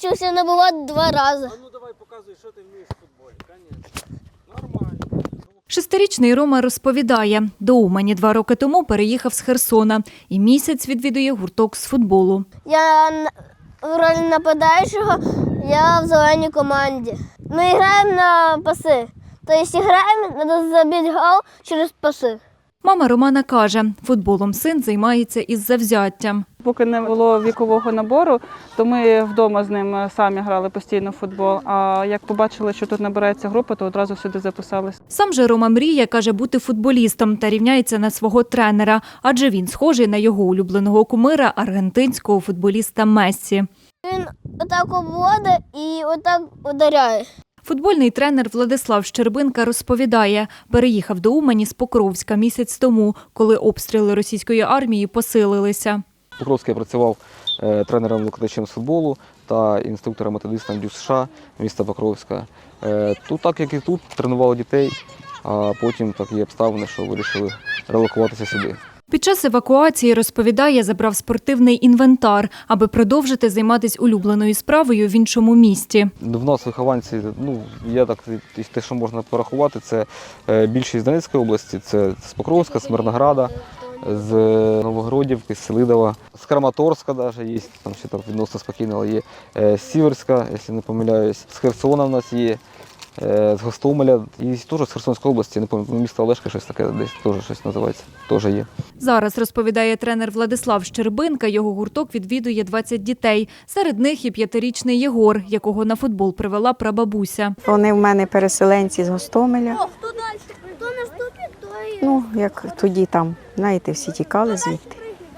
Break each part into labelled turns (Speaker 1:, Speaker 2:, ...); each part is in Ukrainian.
Speaker 1: навчився набивати 2 рази.
Speaker 2: Ну давай показуй, що ти вмієш в футболі. Конечно. Нормально.
Speaker 3: Шестирічний Рома розповідає, до Умані 2 роки тому переїхав з Херсона і місяць відвідує гурток з футболу.
Speaker 1: Я в ролі нападаючого, я в зеленій команді. Ми граємо на паси. Тобто граємо, треба забити гол через паси.
Speaker 3: Мама Романа каже, футболом син займається із завзяттям.
Speaker 4: Поки не було вікового набору, то ми вдома з ним самі грали постійно в футбол. А як побачили, що тут набирається група, то одразу сюди записались.
Speaker 3: Сам же Рома мріє, каже, бути футболістом та рівняється на свого тренера, адже він схожий на його улюбленого кумира аргентинського футболіста Мессі.
Speaker 1: Він отак обводить і отак ударяє.
Speaker 3: Футбольний тренер Владислав Щербинка розповідає, переїхав до Умані з Покровська місяць тому, коли обстріли російської армії посилилися.
Speaker 5: В Покровську я працював тренером-викладачем з футболу та інструктором-методистом ДЮСШ США міста Покровська. Тут, так як і тут, тренували дітей, а потім такі обставини, що вирішили релокуватися сюди.
Speaker 3: Під час евакуації, розповідає, забрав спортивний інвентар, аби продовжити займатися улюбленою справою в іншому місті.
Speaker 5: В нас вихованці, є так, те, що можна порахувати, це більшість з Донецької області, це з Покровська, з Мирнограда, з Новогродівки, з Селидова, з Краматорська навіть є, там ще так відносно спокійно, але є з Сіверська, якщо не помиляюсь, з Херсона в нас є, з Гостомеля і теж з Херсонської області, не пам'ятаю, місто Олешка, щось таке десь, теж щось називається, теж є.
Speaker 3: Зараз, розповідає тренер Владислав Щербинка, його гурток відвідує 20 дітей. Серед них і 5-річний Єгор, якого на футбол привела прабабуся.
Speaker 6: Вони в мене переселенці з Гостомеля.
Speaker 1: Хто далі? Хто наступить, то і...
Speaker 6: Як тоді там, знаєте, всі тікали звідти.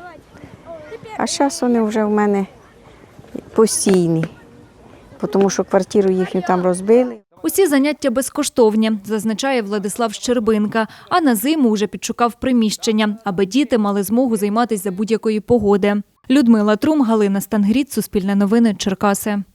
Speaker 6: А зараз вони вже в мене постійні, тому що квартиру їхню там розбили.
Speaker 3: Усі заняття безкоштовні, зазначає Владислав Щербинка, а на зиму вже підшукав приміщення, аби діти мали змогу займатися за будь-якої погоди. Людмила Трум, Галина Стангріт, Суспільне новини, Черкаси.